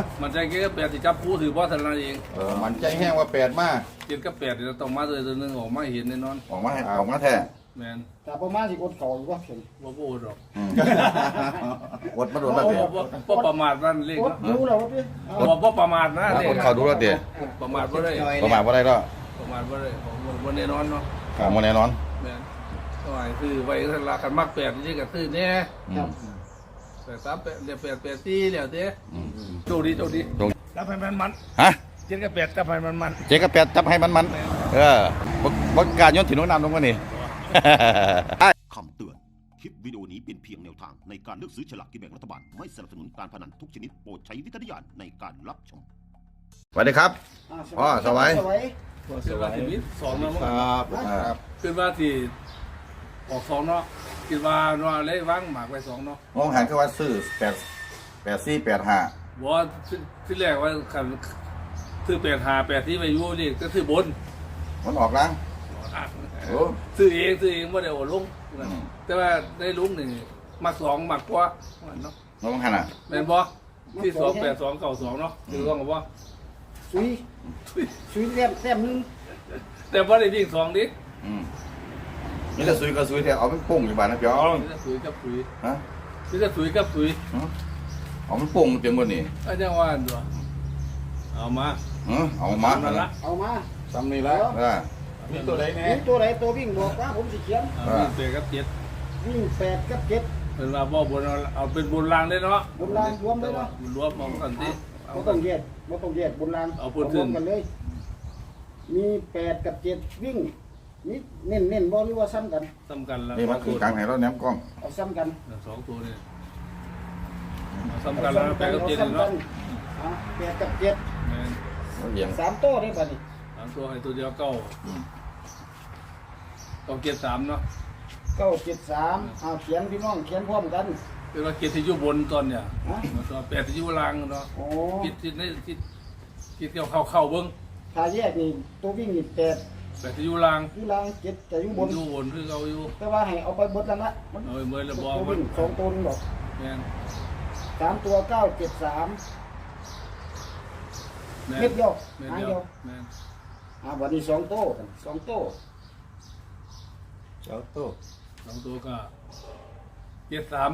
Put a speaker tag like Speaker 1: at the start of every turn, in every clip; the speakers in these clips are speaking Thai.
Speaker 1: มันใจเกี่ยวกับ8ที่จับคู่ถือว่าทนายเอง
Speaker 2: มันใจแห้งว่า8มา
Speaker 1: 7กับ8เราต้องมาเลยตัวนึงออกมาเห็นแน่นอน
Speaker 2: ออกมาแท้
Speaker 1: แม่น
Speaker 3: แต่ประมาณสิอดเข่าอยู่ว่าเห็น
Speaker 1: บ่พูดหรอก
Speaker 2: อดมาโดนแล้วเดี๋ยว
Speaker 1: บ่ประมาทนั่นเลข
Speaker 3: อดดูแล้วว่าพี่
Speaker 1: บ่ประมาทนะเลข
Speaker 2: อดเขาดูแล้วเดี๋ยว
Speaker 1: ประมาทบ่ได้
Speaker 2: ประมาณว่าได้แล้ว
Speaker 1: ประมาทบ่ได้บ่แน่นอนเนาะ
Speaker 2: มาแน่นอน
Speaker 1: แม่นก็หมายคือไว้ทันละคันมัก8นี่ก็ซื้อแน่
Speaker 3: ครับ
Speaker 1: แต่3 8เดี๋ยว8 8 4แล้วเด้โชคดีจับให้มัน
Speaker 2: ฮะ
Speaker 1: 7กับ8จับให้มัน
Speaker 2: เจ๊กับ8จับให้มันบกการย้อนถิ่นน้องน้ำตรงนี้
Speaker 4: คำเตือน คลิปวิดีโอนี้เป็นเพียงแนวทางในการเลือกซื้อฉลากกินแบ่งรัฐบาล ไม่สนับสนุนการพนันทุกชนิดโปรดใช้วิจารณญาณในการรับชม
Speaker 2: สวัสดีครับ อ๋อสวัย
Speaker 1: คือว่าที่มี2เนาะ
Speaker 2: ครับ
Speaker 1: คือว่าที่ออก2เนาะคิดว่าเนาะเลยวางหมากไว้2เนาะ
Speaker 2: มองหันก็ว่าซื้อ84 85
Speaker 1: บ่ที่แรกว่าคันซื้อ85 8ที่ไปอยู่นี่ก็ซื้อบน
Speaker 2: มันออกล้างโอ้
Speaker 1: ซื้อเองบ่ได้โอลงแต่ว่าได้ลุงนี่มัก2มักกว่าเนาะ
Speaker 2: มองหันอ่ะ
Speaker 1: แม่นบ่ที่282 92เนาะคือต้องกับว่า
Speaker 3: ซุยแต้มนึง
Speaker 1: แต่บ่ได้วิ่ง2ดิ
Speaker 2: นี่จะซุยก็ซุยแต่เอาเป็นปุ่งอยู่บ้านนะพี่อ๋อ
Speaker 1: มีแต่สุยกับสุย
Speaker 2: ฮะ
Speaker 1: มีแต่สุยกับสุย
Speaker 2: เอาเป็นปุ่งเต็มหมดนี่
Speaker 1: อาจารย์ว่าตัวเอามา
Speaker 2: เอามา
Speaker 1: ละ
Speaker 3: เอามา
Speaker 2: ซ้ำนี่แล้ว
Speaker 1: มีตัวใดแน่
Speaker 3: มีตัวไหนตัววิ่งบอกว่าผมสิเขียน
Speaker 1: วิ่งเตะกับเจ็ด
Speaker 3: วิ่ง8กับ7
Speaker 1: เป็นว่าบ่บนเอาเป็นบนรางได้เนาะ
Speaker 3: บนรางรวมเลยเนาะ
Speaker 1: รวมเอากันที่
Speaker 3: บ่ต้องแยกบนราง
Speaker 1: เอาพูดถึง
Speaker 3: รวมกันเลย มี8กับ7วิ่งนี่เน้นบ่หรือว่าซ้ำกัน
Speaker 1: สำคัญแล้ว
Speaker 2: นี่มันคือกลางให้เราแนมกล้อง
Speaker 3: เอาซ้ำกัน
Speaker 1: 2ตัวนี่สำคัญแล้วไปกับเจ็ดเนาะ
Speaker 3: 8กับ7
Speaker 1: แม่น
Speaker 2: เหยียง
Speaker 3: 3ตัวได้ป่ะนี่
Speaker 1: 3ตัวให้ตัวเดียวเก้าต้องเกียร3เนาะ
Speaker 3: 973เอาเขียนพี่น้องเขียนพร้อมกัน
Speaker 1: คือว่าเกียรที่อยู่บนตอนเนี่ย
Speaker 3: ฮะ
Speaker 1: ตัว8ที่อยู่ล่างเนาะ
Speaker 3: โอ้
Speaker 1: คิดในคิดเข้าเบิ่ง
Speaker 3: ถ้าแยกนี่ตัววิ่งนี่
Speaker 1: 8ที่อยู่ล่าง
Speaker 3: อยู่ล่าง7แต่อยู่บน
Speaker 1: อยู่บนคือเอาอยู่
Speaker 3: แต่ว่าให้เอาไปเบิดแล้วละมัน
Speaker 1: เอาไปเมื่อแล้วบอก
Speaker 3: ตัว
Speaker 1: มั
Speaker 3: วิ่
Speaker 1: น
Speaker 3: ง2ตัวนึงดอก
Speaker 1: แม่น
Speaker 3: 3ตัว973
Speaker 1: แม่น
Speaker 3: เม็ดเดียว
Speaker 1: แม่น
Speaker 3: หาง
Speaker 1: เดี
Speaker 3: เดี
Speaker 1: ย
Speaker 3: ยว ว
Speaker 1: แม่น
Speaker 3: วันนี้2ตัวกัน2ตัว
Speaker 1: 2ตัวก็73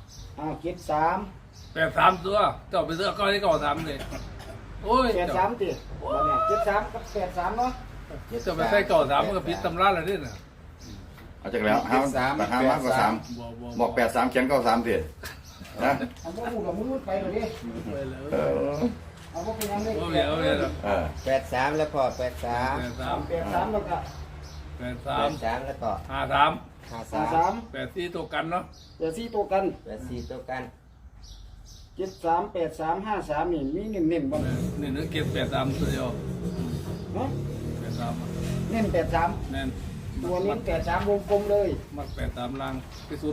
Speaker 3: 73
Speaker 1: 83ตัวเจ้าไปเสื้อก้อนที่เก่า3เลยโอ้ย
Speaker 3: 83ติวันนี้73กับ83เนาะ
Speaker 1: เจ้าไปใส่เก่า3มันก็ผิดตำราแล้วนี่น่ะ
Speaker 2: เอาจากแล้วห้ามากกว่า3บอก83เขียน93สินะ
Speaker 3: อันบ่ฮู้กับมือไปเลยดิ
Speaker 1: ไปแล้ว
Speaker 3: เอาบ่เป็นหยังได้
Speaker 1: โอ้ยเอาเลย
Speaker 5: 83แล้วก็83
Speaker 3: 83แล้วก็
Speaker 1: 83
Speaker 5: แล้วก็
Speaker 1: 53
Speaker 3: 53
Speaker 1: 84ตัวกันเนาะ
Speaker 3: 84ตัวกัน
Speaker 5: 84ตัวกัน
Speaker 3: 73 83 53นี่มีเน้นๆบ่
Speaker 1: นี่นึกเก็บ83ตัวเดียว
Speaker 3: เนาะ
Speaker 1: 83
Speaker 3: เน้น83
Speaker 1: แม่น
Speaker 3: ตัวเน้น83วงกลมเลย
Speaker 1: มัก83ล่างที่สุด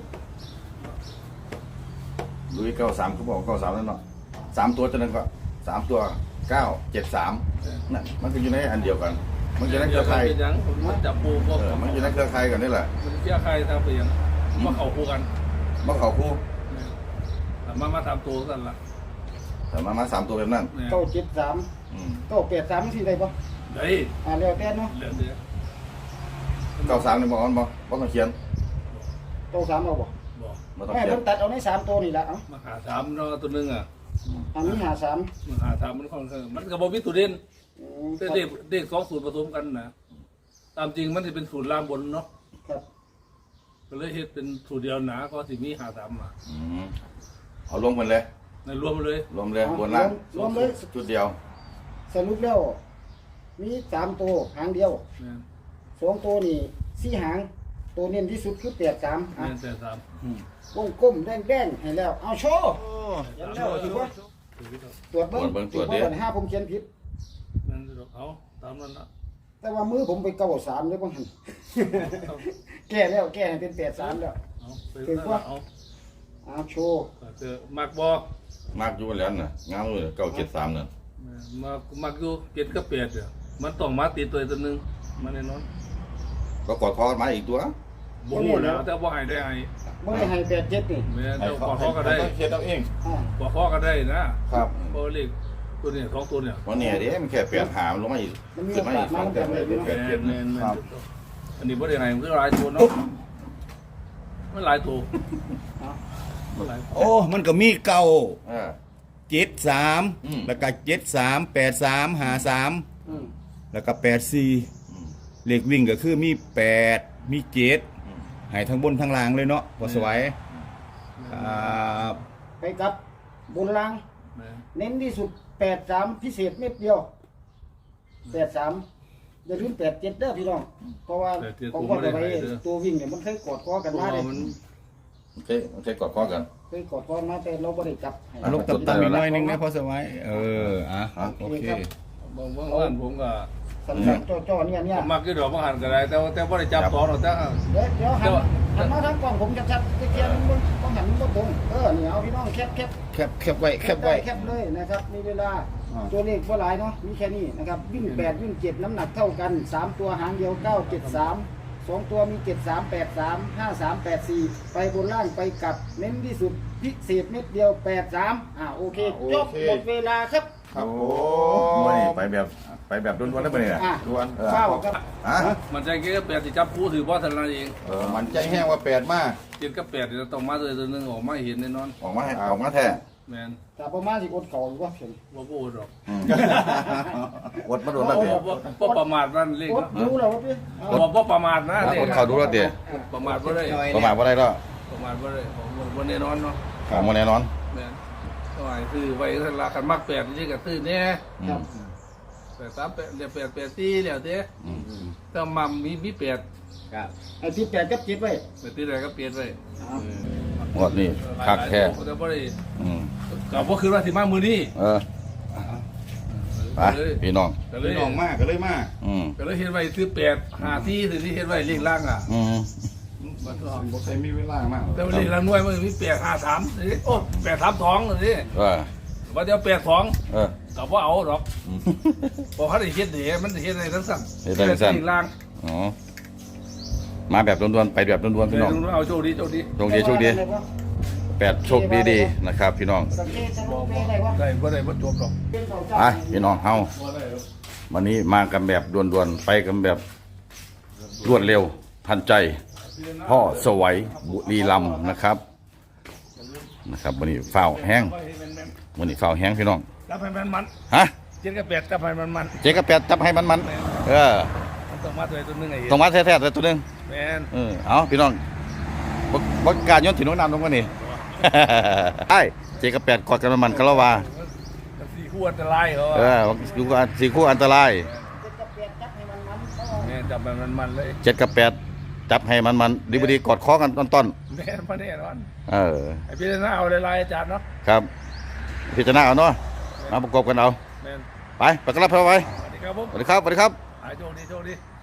Speaker 2: ลุย93เขาบอก93นั่นเนาะ3ตัวจะนั้นก็3ตัว973นั่นมันก็อยู่ในอันเดียวกัน มันอยู่ในเครือข่าย
Speaker 1: เป็นหยังมันจับปูพวก
Speaker 2: มันอยู่ในเครือข่ายกันนี่แหละ
Speaker 1: มันเครือข่ายทางเปลี่ยนมาเข้าคู่กัน
Speaker 2: บ่เข้าคู่
Speaker 1: มาทำตัวกันล่ะ
Speaker 2: แต่มา3ตัวแบบนั้น
Speaker 3: 973 983สิได้บ่
Speaker 1: ได้
Speaker 3: แล้วแต่เนาะ
Speaker 1: เหลือเดียว
Speaker 2: 93นี่บ่บ่ต้องเขียน
Speaker 3: 93เอาบ่
Speaker 1: บอก
Speaker 2: บ่ต้อง
Speaker 3: แม่
Speaker 2: เขียน
Speaker 3: เพิ่นตัดเอาใน3ตัวนี่ล่ะเอ้า
Speaker 1: มาหาถามเนาะตัวนึงอ่ะ
Speaker 3: อันนี้53
Speaker 1: มาหาถามมันค่อนข้างมันก็บ่มีตัวเด่นแต่เด็ก2สูตรผสมกันนะตามจริงมันสิเป็นสูตรล่างบนเนาะ
Speaker 3: ครับ
Speaker 1: ก็เลยเฮ็ดเป็นสูตรเดียวหนาก็สิมีหาถามมา
Speaker 2: เอารวมกันเลย
Speaker 1: ในรวมเลย
Speaker 2: รวมเลยบนล่าง
Speaker 3: รวมเลย
Speaker 2: จุดเดียว
Speaker 3: สรุปแล้วมี3ตัวหางเดียว
Speaker 1: แม่น
Speaker 3: 2ตัวนี่4หางตัวเน้นที่สุดคือ83อ่ะ
Speaker 1: แม่นแต่สาม
Speaker 3: วงกลมแดงๆให้แล้วเอาโชว์ยันแล้วถือว่าตรวจเบิ่งถือว่าปัญหาผมเขียนผิด
Speaker 1: แม่นเอาตามนั้นละ
Speaker 3: แต่ว่ามือผมไป93เลยบ่หั่นแก้แล้วแก้ให้เป็น83แล้ว
Speaker 1: เอาไป
Speaker 3: เอาโชว์
Speaker 1: เจอมักบ่
Speaker 2: มากอยู่แล้วน่ะงามเลย973นั่น
Speaker 1: มักอยู่เก็ดกับเป็ดมันต้องมาติดตัวนึงมาแน่นอน
Speaker 2: ก็กอดคอกันมาอีกตัว
Speaker 1: บ่ฮู้แล้วแต่บ่ให้ได้ให้
Speaker 3: บ่ได้ให้87นี่
Speaker 1: แม่น
Speaker 2: ให้
Speaker 1: เจ้า
Speaker 2: เขา
Speaker 1: ขอก็ได้
Speaker 2: เฮ็ดเอาเอง
Speaker 3: อ่า
Speaker 1: ขอก็ได้นะครับ บ่เลขตัวนี้2ตัวเนี่ย
Speaker 2: วันนี้เด้มันแค่8หามันลงมาอีก
Speaker 3: มันมี
Speaker 2: ขึ้นมาอีก
Speaker 3: โอกาสมา
Speaker 2: 2แต่ไม่เป็น
Speaker 1: แม่น
Speaker 2: 8
Speaker 1: แม่น
Speaker 2: ครับ
Speaker 1: อันนี้บ่ได้ให้มันคือหลายตัวเนาะมันหลายตัวมันหลายตัว
Speaker 6: โอ้ มันก็มีเก้า
Speaker 2: เออ
Speaker 6: 73
Speaker 2: อืม
Speaker 6: แล้วก็73 83 53
Speaker 3: อืม
Speaker 6: แล้วก็84เลขวิ่งก็คือมี8มี7ให้ทั้งบนทั้งล่างเลยเนาะพอสวัยครับ
Speaker 3: ไปกับบนล่าง
Speaker 1: แม่น
Speaker 3: เน้นที่สุด83พิเศษเม็ดเดียว83อย่าลืม87เด้อพี่น้องเพราะว่าของคนเอาไว้ตัววิ่งเนี่ยมันเคยกอดคอกัน
Speaker 1: เพราะ
Speaker 3: มา
Speaker 1: ว่า
Speaker 3: เลย
Speaker 1: มัน
Speaker 2: โอเคกอดคอกัน
Speaker 3: เคยกอดคอมาแต่เราบ่ได้จับให้
Speaker 6: เอาลูกต่ำๆอีกหน่อยนึงนะพอสวัยอ่ะโอเค
Speaker 1: บางวันผมก็
Speaker 3: สั้นๆจ่อๆเนี่ย
Speaker 1: มักอยู่ดอกบางหันก็ได้แต่บ่ได้จับตอนหรอกแต่
Speaker 3: เดี๋ยวหันมาทางกล้องผมชัดๆเทียนมันต้องหันมันบ่ตรงนี่เอาพี่น้องแคบ
Speaker 6: แคบไว้แคบไว้
Speaker 3: แคบเลยนะครับมีเวลาตัวเลขบ่หลายเนาะมีแค่นี้นะครับวิ่ง8วิ่ง7น้ำหนักเท่ากัน3ตัวหางเดียว973 2ตัวมี7383 5384ไปบนล่างไปกลับเน้นที่สุดพิเศษเม็ดเดียว83โอเคจบหมดเวลาครับ
Speaker 2: ครับโอ้ยไปแบบด่วนๆแล้วไปเนี่ย
Speaker 3: ด่วนเฝ้าครับ
Speaker 2: ฮะ
Speaker 1: มันใจเกี่ยวกับแปดที่จับคู่ถือว่าทันนั้นเอง
Speaker 2: มันใจแห้งว่า8มาก
Speaker 1: เจ็ดกับแปดเราต้องมาเลยตัวหนึงออกมาเห็นแน่นอน
Speaker 2: ออกมาแท้
Speaker 1: แมน
Speaker 3: แต่ประมาณสิอดเก่าอยู่ว่าเพิ่น
Speaker 1: ว่าโบ้ดอก
Speaker 2: อดมาโดนแล้วเดี๋ยว
Speaker 1: ว่าประมาทนั่นเลข
Speaker 3: อด
Speaker 1: เนาะ
Speaker 3: รู้แล้วว่าพี่
Speaker 1: ว่าประมาทนะเลข
Speaker 2: อดเขาดูแล้วเดี๋ยว
Speaker 1: ประมาทว่าได้
Speaker 2: ประมาณว่าได้แล้ว
Speaker 1: ประมาทว่าได้วันแน่นอนเนาะ
Speaker 2: ของมันแน่นอน
Speaker 1: แมนก็ไอ้คือไว้ทันลากันมักแปดนี่ก็ตื้อเนี่ย
Speaker 3: ครับ
Speaker 1: แปดสามแปดเดี๋ยวแปดสี่แล้วเด้ถ้ามัมมีแปด
Speaker 5: ครับ
Speaker 3: ไอ้ที่8กับ7ไว้
Speaker 1: แปดที่ไหนก็เปลี่ยนไป
Speaker 2: หมดนี่คักแท้
Speaker 1: แต่บ่ได้
Speaker 2: อืม
Speaker 1: ก็คือว่าสิมามือนี้
Speaker 2: ไปพี่น้อง
Speaker 1: ก็เลย
Speaker 6: น้องมากก็เลยมาก
Speaker 1: ก็เลยเห็นไว้ซื้อแปดหาที่ถือที่เห็นไว้เลขล่างอ่ะ มันก็
Speaker 6: บ่เคยมีเวลามาก
Speaker 1: แต่ว่าเลขล่างหน่วยมันมี853นี่โอ้832นี่ ว่าเดี๋ยว82ก็บ่เอาดอกบ่เขาได้เฮ็ดเด้มันสิเฮ็ดได้ทั้งสั่น
Speaker 2: เฮ็ดได้ทั้งสั่น
Speaker 1: เลขล่าง
Speaker 2: อ๋อมาแบบด่วนๆไปแบบด่วนๆพี่น้อง
Speaker 1: เอาโชคดีโชคดี
Speaker 2: โชคดี8โชคดีๆนะครับพี่น้อง
Speaker 3: สังเกตสรุปได้ว่า
Speaker 1: ได้บ่จบดอก
Speaker 3: เป็นเขา
Speaker 2: ไป
Speaker 3: เจ้า
Speaker 2: พี่น้องเฮา
Speaker 1: บ่ได้ดอก
Speaker 2: วันนี้มากันแบบด่วนๆไปกันแบบรวดเร็วทันใจ พ่อสวัยบุรีรัมย์นะครับวันนี้ฝ้าวแห้งวันนี้ฝ้าวแห้งพี่น้อง
Speaker 1: จับให้มัน
Speaker 2: ฮะ
Speaker 1: เจ็ดกับแปดจับให้มัน
Speaker 2: เจ๊กระแปดจับให้มัน
Speaker 1: มันต้องมาตัวนึงไอ้เห็น
Speaker 2: ต้องมาแท้ๆแต่ตัวหนึง
Speaker 1: แม่น
Speaker 2: เอาพี่น้องบกการย้อนถิ่นโน้นนำลงมานี่ ไอ้เจ๊กระแปดกอดกันมันคาราวา
Speaker 1: สี่คู่อันตรายเขา
Speaker 2: ดูกันสี่คู่อันตราย
Speaker 1: แม่จับให้มันเลย
Speaker 2: เจ็ดกับแปดจับให้มันดีกอดคอกันต้น
Speaker 1: แม่นมาแน่นอน
Speaker 2: ๆ
Speaker 1: ไอ้พี่หน้าเอาลายอาจารย์เนาะ
Speaker 2: ครับพิจารณาเอาเนาะมาประกอบกันเอา
Speaker 1: แม่น
Speaker 2: ไปกันรับเข้าไว้
Speaker 1: สวัสดีครับผม
Speaker 2: สวัสดีครับ
Speaker 1: หายโชคดี